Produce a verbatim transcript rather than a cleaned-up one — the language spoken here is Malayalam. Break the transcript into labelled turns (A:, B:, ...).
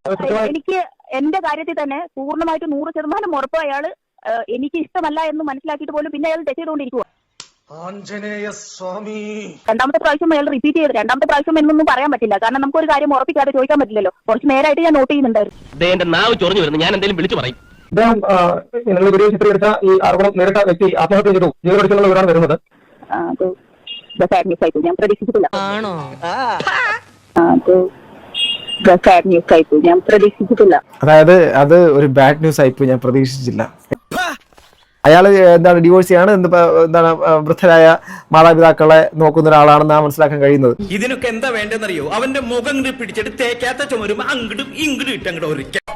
A: എനിക്ക് എന്റെ കാര്യത്തിൽ തന്നെ പൂർണ്ണമായിട്ട് നൂറ് ശതമാനം ഉറപ്പ് അയാള് എനിക്ക് ഇഷ്ടമല്ല എന്ന് മനസ്സിലാക്കിയിട്ട് പോലും പിന്നെ അയാൾ തെറ്റ് ചെയ്തുകൊണ്ടിരിക്കുക. രണ്ടാമത്തെ പ്രാവശ്യം അയാൾ റിപ്പീറ്റ് ചെയ്ത് രണ്ടാമത്തെ പ്രാവശ്യം എന്നൊന്നും പറയാൻ പറ്റില്ല. കാരണം നമുക്ക് ഒരു കാര്യം ഉറപ്പിക്കാതെ ചോദിക്കാൻ പറ്റില്ലല്ലോ. കുറച്ച് നേരമായിട്ട് ഞാൻ നോട്ട് ചെയ്യുന്നുണ്ടായിരുന്നു. ഞാൻ എന്തെങ്കിലും വിളിച്ചു പറയും.
B: അദ്ദേഹം നിങ്ങൾ വീഡിയോ ചിത്രീകരിച്ച ഈ ആരോപണം നേരിട്ട വ്യക്തി ആത്മഹത്യ ചെയ്തു ജീവനൊടുക്കിലുള്ള വിവരമാണ് വരുന്നത്.
A: ഞാൻ പ്രതീക്ഷിച്ചിട്ടില്ല. ഞാൻ പ്രതീക്ഷിച്ചിട്ടില്ല.
C: അതായത് അത് ഒരു ബാഡ് ന്യൂസ് ആയിപ്പോയി, ഞാൻ പ്രതീക്ഷിച്ചില്ല. അയാള് എന്താണ് ഡിവോഴ്സ് ചെയ്യാണ്, എന്താണ് വൃദ്ധരായ മാതാപിതാക്കളെ നോക്കുന്ന ഒരാളാണെന്നാണ് മനസ്സിലാക്കാൻ കഴിയുന്നത്.
D: ഇതിനൊക്കെ എന്താ വേണ്ടെന്നറിയോ? അവന്റെ മുഖം പിടിച്ചിട്ട് തേക്കാത്ത ചുമരും അങ്ങോട്ടും ഇങ്ങോട്ടും ഇട്ടങ്ങോട്ട് ഒരിക്കൽ